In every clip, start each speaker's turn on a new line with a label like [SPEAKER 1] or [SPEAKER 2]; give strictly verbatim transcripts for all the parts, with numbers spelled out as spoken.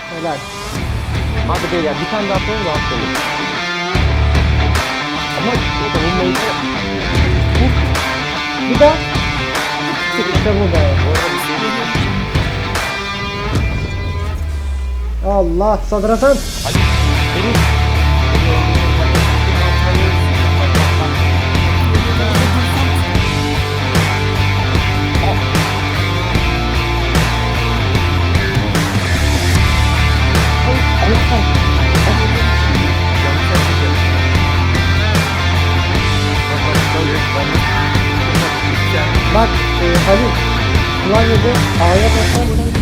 [SPEAKER 1] Helal.
[SPEAKER 2] Hadi beyler bir tane daha atalım da atlayalım. Ama savunmayı da
[SPEAKER 1] Bir daha. İşte bu be. Allah Sadrazam.
[SPEAKER 2] benim
[SPEAKER 1] Bak e, Halil. Klavyede A'ya basarsan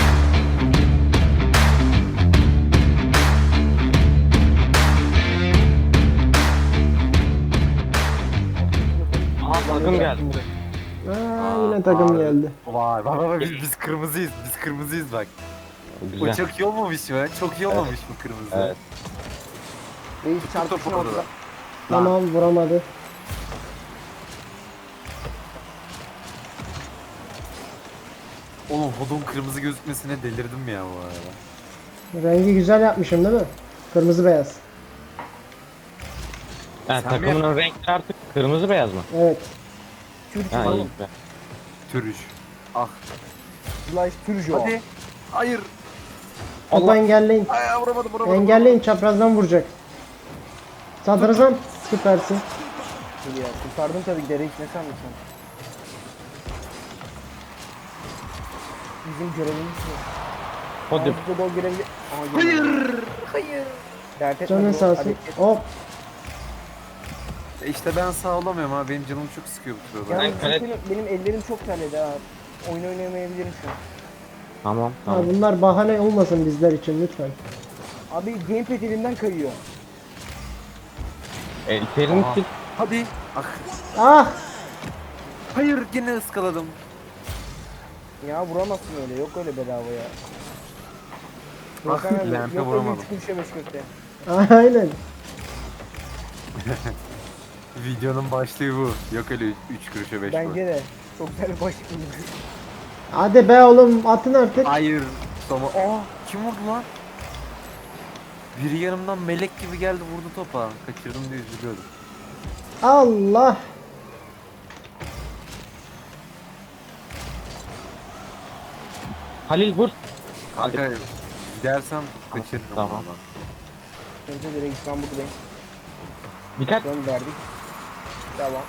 [SPEAKER 2] Aa, takım geldi.
[SPEAKER 1] Aa, yine takım geldi.
[SPEAKER 3] Vay bak bak biz, biz kırmızıyız. Biz kırmızıyız bak. Bu
[SPEAKER 2] Güzel.
[SPEAKER 3] çok iyi olmamış mı? Çok iyi olmamış mı kırmızı?
[SPEAKER 2] Evet.
[SPEAKER 4] Reis
[SPEAKER 3] Topu
[SPEAKER 4] çarpışın
[SPEAKER 3] orada.
[SPEAKER 4] ortada.
[SPEAKER 1] Tamam vuramadı.
[SPEAKER 3] Oğlum hodon kırmızı gözükmesine delirdim ya bu arada.
[SPEAKER 1] Rengi güzel yapmışım değil mi? Kırmızı beyaz.
[SPEAKER 2] Ha,
[SPEAKER 3] Sen
[SPEAKER 2] takımın renkleri artık kırmızı beyaz mı?
[SPEAKER 1] Evet.
[SPEAKER 4] Türk
[SPEAKER 2] Ha iyi
[SPEAKER 4] oğlum.
[SPEAKER 2] güzel.
[SPEAKER 3] Türüş. Ah.
[SPEAKER 4] Flash Türjo.
[SPEAKER 3] Hadi. Hayır.
[SPEAKER 1] Topu engelleyin.
[SPEAKER 3] Ay vuramadım vuramadım.
[SPEAKER 1] Engelleyin, çaprazdan vuracak. Sadrazam süpersin.
[SPEAKER 4] Ya, kurtardım tabii ki de reis ne sanmışsın? Bizim görevimiz bu.
[SPEAKER 2] Hadi.
[SPEAKER 4] Ağzı gol görevi... Aa, hayır. Hayır. Dert etme
[SPEAKER 1] Canın
[SPEAKER 4] bro,
[SPEAKER 1] sağ olsun.
[SPEAKER 4] hadi.
[SPEAKER 1] Hop.
[SPEAKER 3] E İşte ben sağ olamıyorum ha. Benim canım çok sıkıyor bu sırada.
[SPEAKER 4] Yalnız
[SPEAKER 2] Ben kale-
[SPEAKER 4] benim, benim ellerim çok terledi ha. Oyun oynayamayabilirim şu an.
[SPEAKER 2] Tamam
[SPEAKER 1] Ha,
[SPEAKER 2] tamam.
[SPEAKER 1] bunlar bahane olmasın bizler için lütfen.
[SPEAKER 4] Abi gamepad elimden kayıyor.
[SPEAKER 2] E, terini
[SPEAKER 3] Aha.
[SPEAKER 2] sil.
[SPEAKER 3] Hadi. Ah.
[SPEAKER 1] Ah!
[SPEAKER 3] Hayır yine ıskaladım.
[SPEAKER 4] Ya vuramazsın öyle, yok öyle bedava ya.
[SPEAKER 3] Ah,
[SPEAKER 4] Volkan abi,
[SPEAKER 3] lampe
[SPEAKER 4] yok öyle
[SPEAKER 3] vuramadım.
[SPEAKER 4] üç kuruşa beş köfte.
[SPEAKER 1] Aynen.
[SPEAKER 3] Videonun başlığı bu. Yok öyle üç kuruşa beş
[SPEAKER 4] Bence de. Çok güzel bir başlık.
[SPEAKER 1] Hadi be oğlum atın artık.
[SPEAKER 3] Hayır. Soma. Aa kim vurdu lan? Biri yanımdan melek gibi geldi vurdu topa. Kaçırdım diye üzülüyordum.
[SPEAKER 1] Allah.
[SPEAKER 2] Halil vur. Hadi.
[SPEAKER 3] Kanka gidersem kaçırırım.
[SPEAKER 2] Tamam.
[SPEAKER 3] valla.
[SPEAKER 4] Önce de reis ben buradayım.
[SPEAKER 2] Dikkat.
[SPEAKER 4] Gönderdik. Devam.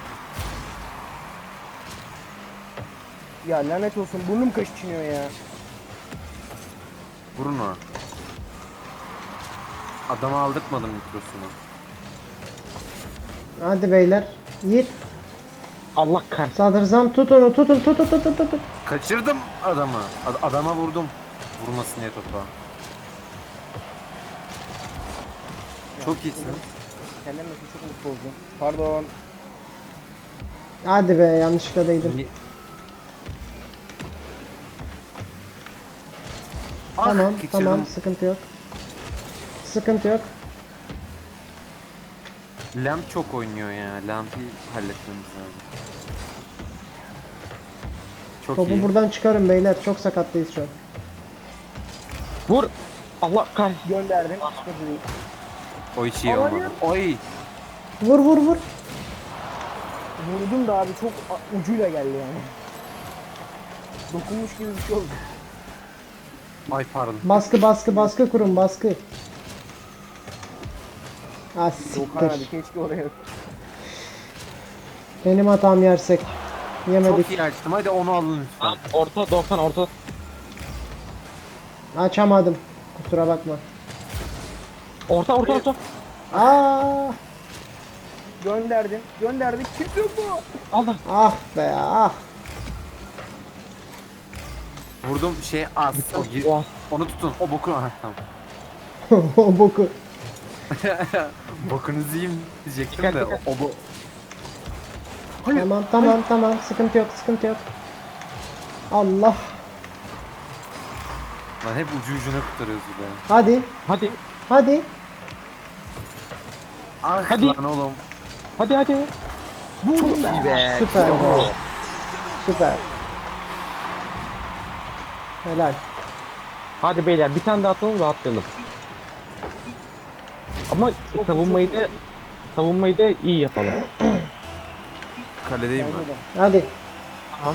[SPEAKER 4] Ya lanet olsun burnum kaşınıyor ya.
[SPEAKER 3] Vurun o. Adama aldırtmadım mikrosunu.
[SPEAKER 1] Hadi beyler. Yiğit.
[SPEAKER 2] Allah kahretsin.
[SPEAKER 1] Sadrazam tut onu tutun tutun tutun tutun.
[SPEAKER 3] Kaçırdım adamı. Ad- adama vurdum. Vurmasın diye topa. Çok iyisin.
[SPEAKER 4] Kendimle çok mutlu oldum. Pardon.
[SPEAKER 1] Hadi be yanlışlıkla değdim.
[SPEAKER 3] Ni- Ah,
[SPEAKER 1] Tamam
[SPEAKER 3] kaçırdım.
[SPEAKER 1] tamam sıkıntı yok. Sıkıntı yok.
[SPEAKER 3] Lamp çok oynuyor ya. Lamp'i halletmemiz lazım. Çok
[SPEAKER 1] Topu
[SPEAKER 3] iyi.
[SPEAKER 1] buradan çıkarın beyler. Çok sakattayız şu an.
[SPEAKER 2] Vur. Allah kahretsin.
[SPEAKER 4] Gönderdim. Sıkıntı değil.
[SPEAKER 3] O hiç iyi
[SPEAKER 4] Hayır.
[SPEAKER 3] olmadı. Oy.
[SPEAKER 1] Vur vur vur.
[SPEAKER 4] Vurdum da abi çok a- ucuyla geldi yani. Dokunmuş gibi bir şey oldu.
[SPEAKER 3] Ay pardon.
[SPEAKER 1] Baskı baskı baskı kurun baskı. Ah
[SPEAKER 4] Volkan abi
[SPEAKER 1] siktir.
[SPEAKER 4] keşke oraya.
[SPEAKER 1] Benim hatam yersek. Yemedik.
[SPEAKER 3] Çok iyi açtım. Hadi onu alın lütfen.
[SPEAKER 2] Tamam, orta doksan orta.
[SPEAKER 1] Açamadım. Kusura bakma.
[SPEAKER 2] Orta orta orta.
[SPEAKER 1] Aa,
[SPEAKER 4] Gönderdim. Gönderdik. Kimse yok mu?
[SPEAKER 2] Allah.
[SPEAKER 1] ah be ah.
[SPEAKER 3] Vurdum şey az. O gir-
[SPEAKER 2] Oha.
[SPEAKER 3] onu tutun. O boku. Aha, tamam.
[SPEAKER 1] O boku.
[SPEAKER 3] Bokunuzu yiyeyim diyecektim
[SPEAKER 2] Dikkat,
[SPEAKER 3] de.
[SPEAKER 2] dikkat.
[SPEAKER 3] O bu.
[SPEAKER 1] Tamam tamam tamam sıkıntı yok sıkıntı yok. Allah.
[SPEAKER 3] Lan hep ucu ucuna kurtarıyoruz be.
[SPEAKER 1] Hadi
[SPEAKER 2] Hadi.
[SPEAKER 1] hadi.
[SPEAKER 3] Ah
[SPEAKER 2] Hadi.
[SPEAKER 3] lan oğlum.
[SPEAKER 2] Hadi hadi.
[SPEAKER 3] Çok iyi be.
[SPEAKER 1] Süper be. Süper. Helal.
[SPEAKER 2] Hadi beyler bir tane daha atalım rahatlayalım. Ama savunmayı da savunmayı da iyi yapalım.
[SPEAKER 3] Kaledeyim
[SPEAKER 4] Bence
[SPEAKER 3] ben.
[SPEAKER 4] de.
[SPEAKER 1] Hadi.
[SPEAKER 2] Tamam.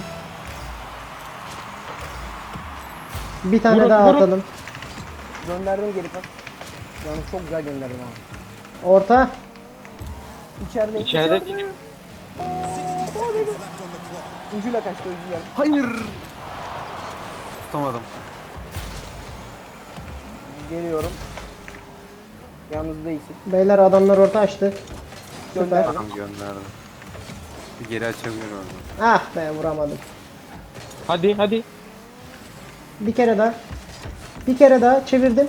[SPEAKER 1] Bir tane
[SPEAKER 2] Vurun,
[SPEAKER 1] daha
[SPEAKER 2] vurun.
[SPEAKER 1] atalım.
[SPEAKER 4] Gönderdim geri pas. Yani çok güzel gönderdim abi.
[SPEAKER 1] Orta.
[SPEAKER 4] İçeride.
[SPEAKER 2] İçeride
[SPEAKER 4] Ucuyla kaçtı ucuyla.
[SPEAKER 3] Hayır. Tutamadım.
[SPEAKER 4] Geliyorum. Yalnız değilsin.
[SPEAKER 1] Beyler adamlar orta açtı. Süper.
[SPEAKER 4] Gönderdim.
[SPEAKER 3] Tamam gönderdim. Bir geri açabilirim oradan.
[SPEAKER 1] Ah be vuramadım.
[SPEAKER 2] hadi hadi.
[SPEAKER 1] Bir kere daha. Bir kere daha çevirdim.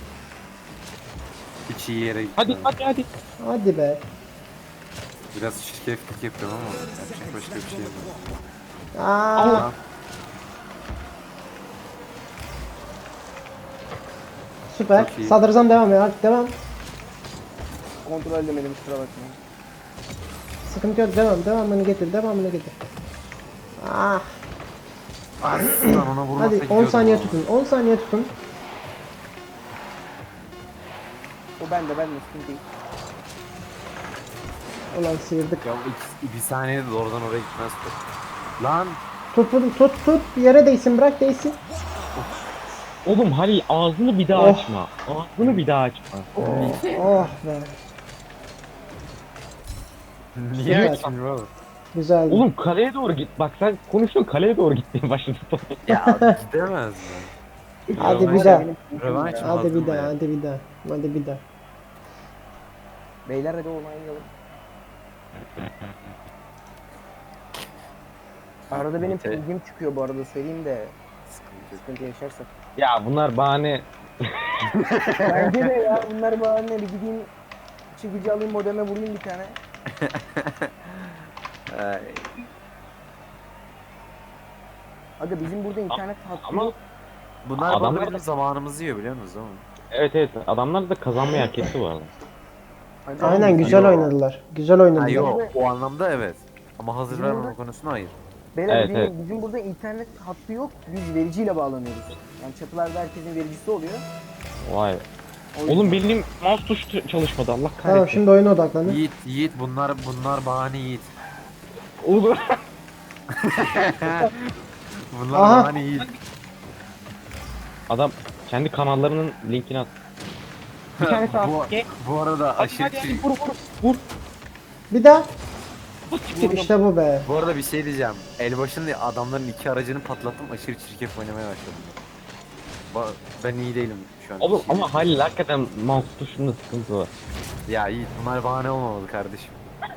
[SPEAKER 3] Hiç iyi yere gittim.
[SPEAKER 2] Hadi hadi hadi.
[SPEAKER 1] Hadi be.
[SPEAKER 3] Biraz şirketlik yapıyorum ama yapacak başka bir şey yok.
[SPEAKER 1] Aa,
[SPEAKER 2] Allah.
[SPEAKER 1] süper.
[SPEAKER 3] Çok iyi.
[SPEAKER 1] Sadrazam devam ya. Artık devam.
[SPEAKER 4] Kontrol edemedim kusura bakmayın.
[SPEAKER 1] Sıkıntı yok. Devam. Devamını getir. Devamını getir. Ah.
[SPEAKER 3] Aslında ona vurmasa
[SPEAKER 1] Hadi on
[SPEAKER 3] gidiyordum
[SPEAKER 1] saniye
[SPEAKER 3] ama.
[SPEAKER 1] tutun. on saniye tutun.
[SPEAKER 4] O bende bende sıkıntı değil.
[SPEAKER 1] Ulan sıyırdık.
[SPEAKER 3] Ya iki, bir saniyede doğrudan oraya gitmez top. Lan
[SPEAKER 1] Tut tut tut tut. Yere değsin. Bırak değsin.
[SPEAKER 2] Oğlum Halil ağzını bir daha
[SPEAKER 1] Oh.
[SPEAKER 2] açma. Ağzını bir daha açma.
[SPEAKER 1] Oh be.
[SPEAKER 3] niye
[SPEAKER 1] Güzel.
[SPEAKER 3] açmıyor oğlum?
[SPEAKER 1] Güzel.
[SPEAKER 2] Oğlum kaleye doğru git. Bak sen konuşuyorsun kaleye doğru gitmeye başladı.
[SPEAKER 3] Ya gidemez mi?
[SPEAKER 1] Hadi bir
[SPEAKER 3] Rövanş-
[SPEAKER 1] daha.
[SPEAKER 3] Rövanş mı
[SPEAKER 1] Hadi
[SPEAKER 3] aldın
[SPEAKER 1] bir daha.
[SPEAKER 3] ya?
[SPEAKER 1] Hadi bir daha. Hadi bir daha.
[SPEAKER 4] Beyler hadi oynayalım. Arada benim
[SPEAKER 3] Te-
[SPEAKER 4] pingim çıkıyor bu arada söyleyeyim de
[SPEAKER 3] Sıkıntı yok.
[SPEAKER 4] sıkıntı yaşarsak.
[SPEAKER 2] Ya bunlar bahane.
[SPEAKER 4] Bence de ya bunlar bahane bir gideyim çıkıcı alayım modeme vurayım bir tane.
[SPEAKER 3] Ay,
[SPEAKER 4] Aga bizim burada internet hattı
[SPEAKER 2] Ama
[SPEAKER 4] yok.
[SPEAKER 3] bunlar
[SPEAKER 2] Adamlar
[SPEAKER 3] bana
[SPEAKER 2] da-
[SPEAKER 3] bizim zamanımızı yiyor biliyor musunuz ama?
[SPEAKER 2] Evet evet adamlar da kazanmayı hak etti bu arada.
[SPEAKER 4] Acaba
[SPEAKER 1] Aynen
[SPEAKER 4] biz-
[SPEAKER 1] güzel
[SPEAKER 3] Yo.
[SPEAKER 1] oynadılar. Güzel
[SPEAKER 3] Ha
[SPEAKER 1] oynadılar.
[SPEAKER 3] yok o anlamda evet. Ama hazır
[SPEAKER 4] Bizim
[SPEAKER 3] vermeme
[SPEAKER 4] burada-
[SPEAKER 3] konusunda hayır.
[SPEAKER 4] Beyler
[SPEAKER 2] Evet,
[SPEAKER 4] bizim,
[SPEAKER 2] evet.
[SPEAKER 4] bizim burada internet hattı yok. Biz vericiyle bağlanıyoruz. Yani çatılarda herkesin vericisi oluyor.
[SPEAKER 2] Vay.
[SPEAKER 4] O yüzden-
[SPEAKER 2] Oğlum bildiğim mouse tuşu çalışmadı Allah kahretsin.
[SPEAKER 1] Tamam şimdi oyuna odaklanın.
[SPEAKER 3] Yiğit Yiğit bunlar bunlar bahane Yiğit.
[SPEAKER 2] Oğlum.
[SPEAKER 3] Bunlar
[SPEAKER 1] Aha.
[SPEAKER 3] bahane Yiğit.
[SPEAKER 2] Adam kendi kanallarının linkini at. Bir tane sağ.
[SPEAKER 3] bu,
[SPEAKER 2] Ge-
[SPEAKER 3] bu arada
[SPEAKER 2] Hadi
[SPEAKER 3] aşırı
[SPEAKER 2] hadi hadi
[SPEAKER 3] çir-
[SPEAKER 2] vur vur vur.
[SPEAKER 1] Bir daha.
[SPEAKER 2] Siktir.
[SPEAKER 1] İşte bu be.
[SPEAKER 3] Bu arada bir şey diyeceğim. Elbaşında adamların iki aracını patlattım aşırı çirkef oynamaya başladım. Ba- Ben iyi değilim şu an.
[SPEAKER 2] Oğlum ama Halil hakikaten mouse tuşunda sıkıntı var.
[SPEAKER 3] Ya Yiğit bunlar bahane olmamalı kardeşim.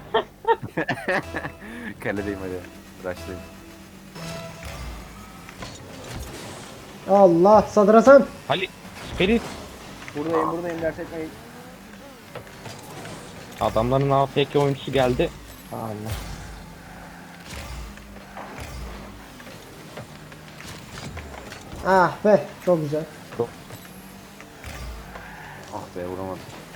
[SPEAKER 3] Kaledeyim hadi. Rush'layım.
[SPEAKER 1] Allah sadrazam.
[SPEAKER 2] Halil Ferit
[SPEAKER 4] Buradayım buradayım ders etmeyin.
[SPEAKER 2] adamların A F K oyuncusu geldi.
[SPEAKER 1] Allah. Ah be çok güzel.
[SPEAKER 3] Ah be vuramadım.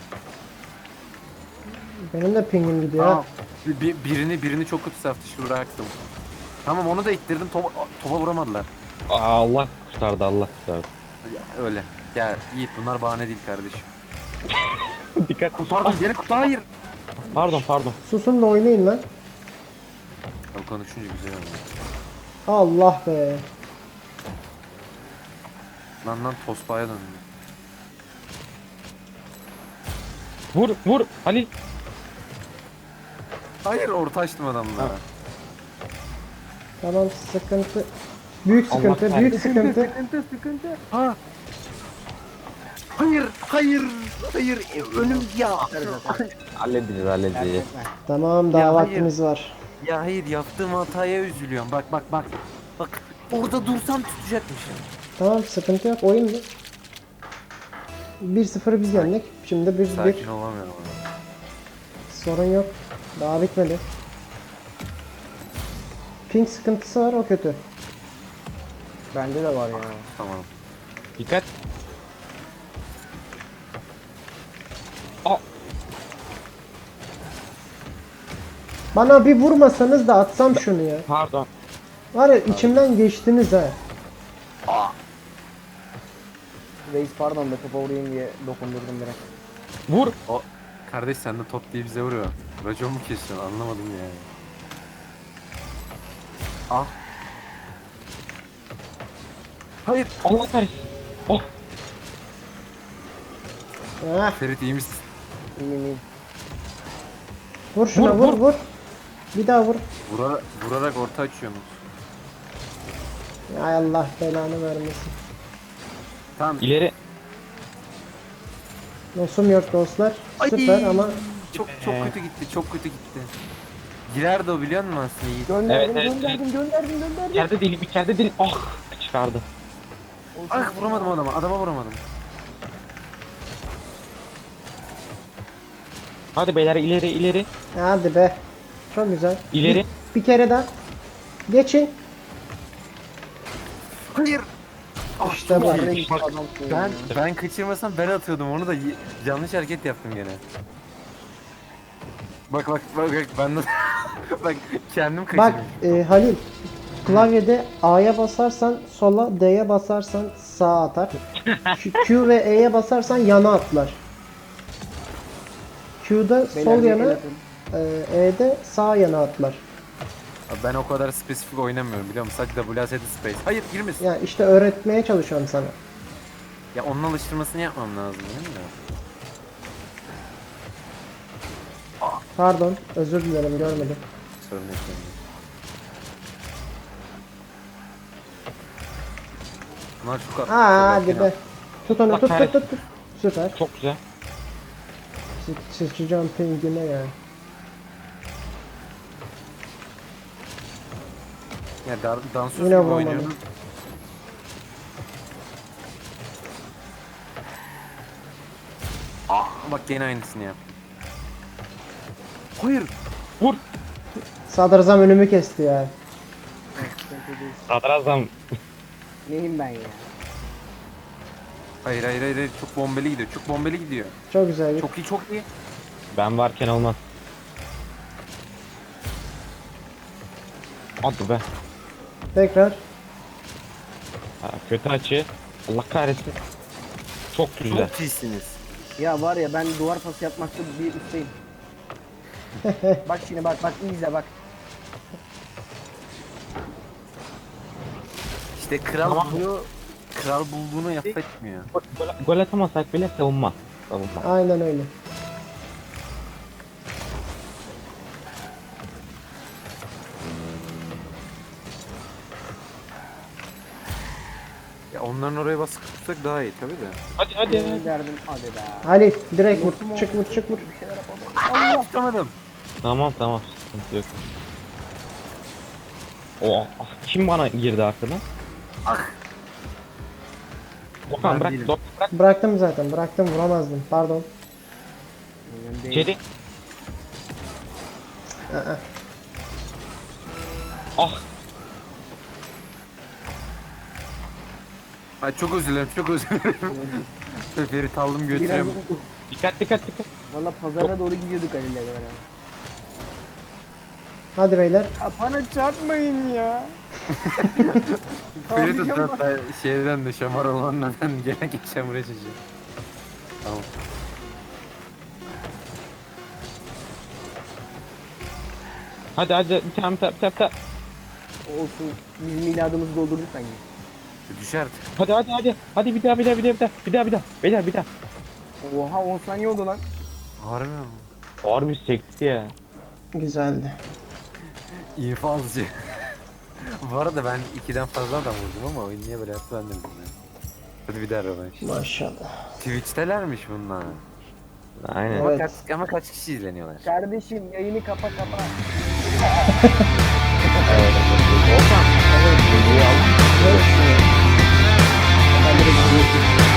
[SPEAKER 1] Benim de pingim gidiyor.
[SPEAKER 3] Tamam.
[SPEAKER 1] ha.
[SPEAKER 3] Bir, bir- birini birini çok kötü saf dışı bıraktım. Tamam onu da ittirdim topa, topa vuramadılar.
[SPEAKER 2] Aa, Allah kurtardı Allah kurtardı.
[SPEAKER 3] Ya, öyle. Ya Yiğit bunlar bahane değil kardeşim.
[SPEAKER 2] Dikkat.
[SPEAKER 3] Pardon geri kutu hayır.
[SPEAKER 2] Pardon pardon.
[SPEAKER 1] Susun da oynayın lan.
[SPEAKER 3] Ya, konuşunca güzel oluyor.
[SPEAKER 1] Allah be.
[SPEAKER 3] Lan lan Tospa'ya döndüm.
[SPEAKER 2] Vur vur Halil.
[SPEAKER 3] Hayır orta açtım adamlara.
[SPEAKER 1] Tamam sıkıntı. Büyük
[SPEAKER 2] Allah
[SPEAKER 1] sıkıntı,
[SPEAKER 2] kahretsin.
[SPEAKER 1] büyük sıkıntı.
[SPEAKER 4] Sıkıntı sıkıntı.
[SPEAKER 3] Ha. Hayır, hayır, hayır. E, Önüm ya.
[SPEAKER 2] Halledeceğiz
[SPEAKER 4] Ders
[SPEAKER 2] halledeceğiz.
[SPEAKER 4] etme.
[SPEAKER 1] Tamam daha
[SPEAKER 3] Ya hayır.
[SPEAKER 1] vaktimiz var.
[SPEAKER 3] Ya hayır yaptığım hataya üzülüyorum. Bak bak bak. Bak orada dursam tutacakmışım.
[SPEAKER 1] Tamam sıkıntı yok oyun bu. bir sıfırı biz yendik. Şimdi bir bir
[SPEAKER 3] Sakin olamıyorum ama.
[SPEAKER 1] sorun yok. Daha bitmedi. Ping sıkıntısı var o kötü.
[SPEAKER 4] Bende de var ya.
[SPEAKER 3] Tamam.
[SPEAKER 2] Dikkat. Aa,
[SPEAKER 1] Bana bir vurmasanız da atsam şunu ya.
[SPEAKER 2] pardon.
[SPEAKER 1] Var ya içimden geçtiniz ha.
[SPEAKER 4] Reis pardon be topa vurayım diye dokundurdum direkt.
[SPEAKER 2] Vur.
[SPEAKER 3] O kardeş sen de top diye bize vuruyor. Racon mu kesiyorsun anlamadım yani. Ah. Hayır.
[SPEAKER 2] Allah kahretsin. Oh.
[SPEAKER 1] Ah,
[SPEAKER 3] Ferit iyi misin?
[SPEAKER 4] İyiyim iyiyim.
[SPEAKER 1] vur şuna
[SPEAKER 2] Vur,
[SPEAKER 1] vur
[SPEAKER 2] vur.
[SPEAKER 1] vur. Bir daha vur.
[SPEAKER 3] Vurarak, vurarak orta açıyorsunuz.
[SPEAKER 1] Ay Allah belanı vermesin.
[SPEAKER 3] Tamam.
[SPEAKER 2] İleri.
[SPEAKER 1] Nosum yok dostlar.
[SPEAKER 3] Ay.
[SPEAKER 1] Süper ama
[SPEAKER 3] Çok çok
[SPEAKER 2] Ee.
[SPEAKER 3] kötü gitti. Çok kötü gitti. Girerdi o biliyor musun aslında Yiğit?
[SPEAKER 4] Gönderdim
[SPEAKER 2] Evet, evet,
[SPEAKER 4] gönderdim gönderdim gönderdim.
[SPEAKER 2] İçeride değilim, içeride değilim. Ah. Çıkardı.
[SPEAKER 3] Ah vuramadım adama. Adama vuramadım.
[SPEAKER 2] Hadi beyler ileri ileri.
[SPEAKER 1] hadi be. Çok güzel.
[SPEAKER 2] İleri.
[SPEAKER 1] Bir, bir kere daha. Geçin.
[SPEAKER 3] Hayır.
[SPEAKER 1] İşte bu.
[SPEAKER 4] Ya reis adamsın
[SPEAKER 3] Ben
[SPEAKER 4] ya.
[SPEAKER 3] ben kaçırmasam ben atıyordum onu da y- yanlış hareket yaptım gene. Bak bak bak bak ben de bak kendim
[SPEAKER 1] Bak
[SPEAKER 3] kaçırdım.
[SPEAKER 1] e, Halil. Klavyede A'ya basarsan sola, D'ye basarsan sağa atar. Şu Q ve E'ye basarsan yana atlar. Q'da
[SPEAKER 4] Beyler,
[SPEAKER 1] sol
[SPEAKER 4] bir
[SPEAKER 1] yana,
[SPEAKER 4] el atın.
[SPEAKER 1] e, E'de sağ yana atlar.
[SPEAKER 3] Ben o kadar spesifik oynamıyorum biliyor musun? Sadece W A S D space. Hayır girmesin.
[SPEAKER 1] Ya işte öğretmeye çalışıyorum sana.
[SPEAKER 3] Ya onun alıştırmasını yapmam lazım değil mi?
[SPEAKER 1] Pardon, özür dilerim görmedim.
[SPEAKER 3] Sorun yok. sorun yok. Bunlar çok
[SPEAKER 1] Aa
[SPEAKER 3] çok
[SPEAKER 1] hadi
[SPEAKER 3] erken
[SPEAKER 1] be. Tut onu
[SPEAKER 2] Bak,
[SPEAKER 1] tut tut
[SPEAKER 2] kahretsin.
[SPEAKER 1] tut. tut. Süper.
[SPEAKER 2] Çok güzel.
[SPEAKER 1] Sı- Sıçacağım pingine ya.
[SPEAKER 3] Ya dar, dansöz
[SPEAKER 1] Yine
[SPEAKER 3] gibi
[SPEAKER 1] vuramadım.
[SPEAKER 3] oynuyorum. Ah bak gene aynısını yap. Hayır.
[SPEAKER 2] Vur.
[SPEAKER 1] Sadrazam önümü kesti ya.
[SPEAKER 2] Sadrazam.
[SPEAKER 4] Neyim ben ya?
[SPEAKER 3] Hayır hayır hayır hayır. Çok bombeli gidiyor. Çok bombeli gidiyor.
[SPEAKER 1] Çok güzel.
[SPEAKER 3] Çok iyi çok iyi.
[SPEAKER 2] Ben varken olmaz. Hadi be.
[SPEAKER 1] Tekrar.
[SPEAKER 2] Ha, kötü açı. Allah kahretsin. Çok güzel.
[SPEAKER 3] Çok iyisiniz.
[SPEAKER 4] Ya var ya ben duvar pası yapmakta bir ustayım. Bak şimdi bak bak iyi izle bak.
[SPEAKER 3] İşte kral
[SPEAKER 2] Tamam.
[SPEAKER 3] buluyor. Kral bulduğunu affetmiyor.
[SPEAKER 2] Gol, gol atamasak bile savunma. Savunma.
[SPEAKER 1] Aynen öyle.
[SPEAKER 3] Ya onların oraya baskı tutsak daha iyi tabii de.
[SPEAKER 2] Hadi hadi. hadi.
[SPEAKER 4] Gönderdim hadi be.
[SPEAKER 1] Halil direkt vur. Çık vur çık vur.
[SPEAKER 4] Bir şeyler yapalım.
[SPEAKER 3] Allah tutamadım.
[SPEAKER 2] Tamam tamam. Sıkıntı yok. O ah, kim bana girdi arkadan?
[SPEAKER 3] Ah.
[SPEAKER 2] Okan
[SPEAKER 3] Ben
[SPEAKER 2] bırak.
[SPEAKER 3] değilim.
[SPEAKER 2] Dok bırak.
[SPEAKER 1] Bıraktım zaten. Bıraktım vuramazdım. Pardon.
[SPEAKER 4] Önemli değil.
[SPEAKER 2] İçeri.
[SPEAKER 1] Aa.
[SPEAKER 2] Ah.
[SPEAKER 3] Ay çok özür dilerim çok özür dilerim. Ferit aldım
[SPEAKER 4] Biraz
[SPEAKER 3] götürüyorum.
[SPEAKER 2] Dikkat dikkat dikkat.
[SPEAKER 4] valla pazara doğru gidiyorduk Halil'le beraber.
[SPEAKER 1] Hadi beyler.
[SPEAKER 4] Ya bana çarpmayın ya.
[SPEAKER 3] Ferit
[SPEAKER 4] Abi,
[SPEAKER 3] hatta şeyden de şamar olanlardan gene geçeceğim buraya çocuğu. Tamam.
[SPEAKER 2] Hadi hadi bir tane bir tane bir tane. bir tane.
[SPEAKER 4] Olsun. Biz miladımızı doldurduk sanki.
[SPEAKER 3] Düş artık.
[SPEAKER 2] Hadi hadi hadi. Hadi bir daha bir daha bir daha bir daha. Bir daha bir daha. Beyler bir daha.
[SPEAKER 4] Oha on saniye oldu lan.
[SPEAKER 3] Harbi mi?
[SPEAKER 2] Harbi sekti ya.
[SPEAKER 1] Güzeldi.
[SPEAKER 3] İnfazcı. Bu arada ben ikiden fazla adam vurdum ama oyun niye böyle yaptı ben de bilmiyorum. Hadi bir daha rövanş.
[SPEAKER 1] Maşallah.
[SPEAKER 3] Twitch'telermiş bunlar.
[SPEAKER 2] Aynen.
[SPEAKER 3] Ama,
[SPEAKER 1] Evet.
[SPEAKER 3] kaç, ama kaç kişi izleniyorlar?
[SPEAKER 4] Kardeşim yayını kapa kapa.
[SPEAKER 2] Okan.
[SPEAKER 1] Evet.